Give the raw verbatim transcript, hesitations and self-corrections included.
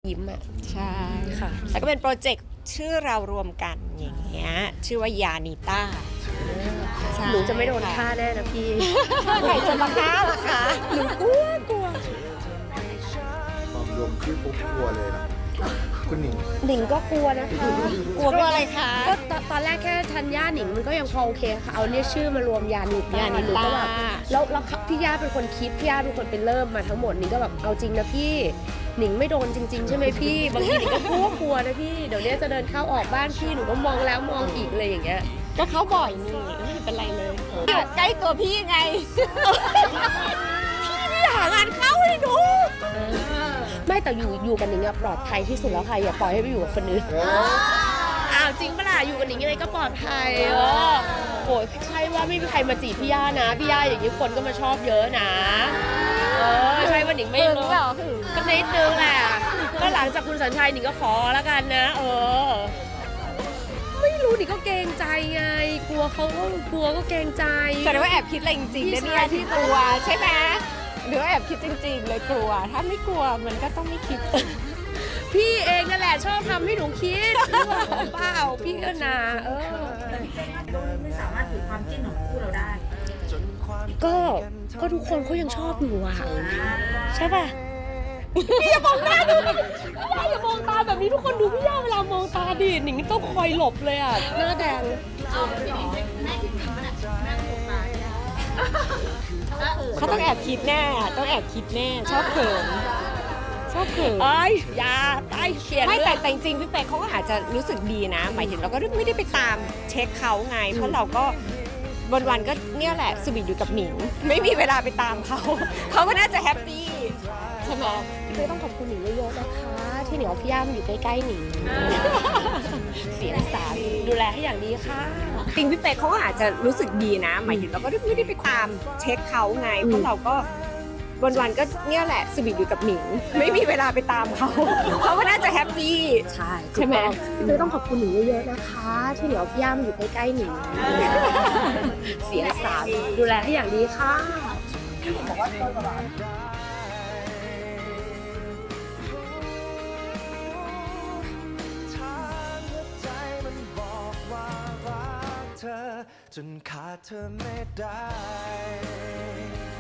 ยิ้มอ่ะใช่ค่ะแล้วก็เป็นโปรเจกต์ชื่อเรารวมกันอย่างเงี้ยชื่อว่ายานิต้าหนูจะไม่โดนฆ่าแน่นะพี่ใครจะมาฆ่าล่ะคะหนูกลัวกลัวความรวมชื่อปุ๊บกลัวเลยนะคุณหนิงหนิงก็กลัวนะคะกลัวอะไรคะก็ตอนแรกแค่ธัญญาหนิงมันก็ยังพอโอเคค่ะเอาเรียกชื่อมารวมยานิต้าหนูก็แบบแล้วแล้วพี่ย่าเป็นคนคิดพี่ย่าเป็นคนเป็นเริ่มมาทั้งหมดหนิงก็แบบเอาจริงนะพี่หนิงไม่โดนจริงๆใช่ไหมพี่บางทีหนิงก็กลัวกลัวนะพี่เดี๋ยวนี้จะเดินเข้าออกบ้านพี่หนูก็มองแล้วมองอีกเลยอย่างเงี้ยก็เขาบ่อยนี่ไม่เป็นไรเลยอยู่ใกล้ตัวพี่ไงพี่ไม่หางานเข้าให้ดูไม่แต่อยู่อยู่กันหนิงอะปลอดภัยที่สุดแล้วค่ะอย่าปล่อยให้ไปอยู่กับคนอื่นอ้าวจริงปะล่ะอยู่กันหนิงยังไงก็ปลอดภัยเออโอ้ยใช่ว่าไม่มีใครมาจีบพี่ย่านะพี่ย่าอย่างนี้คนก็มาชอบเยอะนะเออใช่ว่าหนิงไม่รู้ก็นิดนึงแหละก็หลังจากคุณสัญชัยหนิงก็ขอแล้วกันนะเออไม่รู้หนิงก็เกรงใจไงกลัวเขาก็กลัวก็เกรงใจแสดงว่าแอบคิดอะไรจริงๆนะเนี่ยที่กลัวใช่ไหมหรือว่าแอบคิดจริงๆเลยกลัวถ้าไม่กลัวมันก็ต้องไม่คิดพี่เองนั่นแหละชอบทำให้หนูคิดเปล่าพี่ก็นาเออไม่สามารถถือความจิ้นของคู่เราได้ก็ก็ทุกคนเขายังชอบอยู่อะใช่ป่ะพี่อย่ามองหน้าดูพี่อย่ามองตาแบบนี้ทุกคนดูพี่ย่าเวลามองตาดิหนิงต้องคอยหลบเลยอะหน้าแดงเขาต้องแอบคิดแน่ต้องแอบคิดแน่ชอบเขินชอบเขินเอ้ยอย่าใต้เขียนไม่แต่แต่จริงๆพี่เป๊กเขาก็อาจจะรู้สึกดีนะหมายถึงเราก็ไม่ได้ไปตามเช็คเขาไงเพราะเราก็วันๆก็เนี่ยแหละสวีทอยู่กับหนิงไม่มีเวลาไปตามเขาเขาก็น่าจะแฮปปี้ใช่ไหมไม่ต้องขอบคุณหนิงเยอะๆนะคะที่เหนียวพี่ย่ามันอยู่ใกล้ๆหนิงเสียสารดูแลให้อย่างดีค่ะจริงพี่เป๊กเขาก็อาจจะรู้สึกดีนะหมายถึงเราก็ไม่ได้ไปตามเช็คเขาไงเพราะเราก็วันๆก็เนี่ยแหละสวีทอยู่กับหนิงไม่มีเวลาไปตามเขาเขาก็น่าจะแฮปปี้ใช่ใช่ไหมไม่ต้องขอบคุณหนิงเยอะๆนะคะที่เหนียวพี่ย่ามันอยู่ใกล้ๆหนิงเสียสารดูแลให้อย่างดีค่ะจนขาดเธอไม่ได้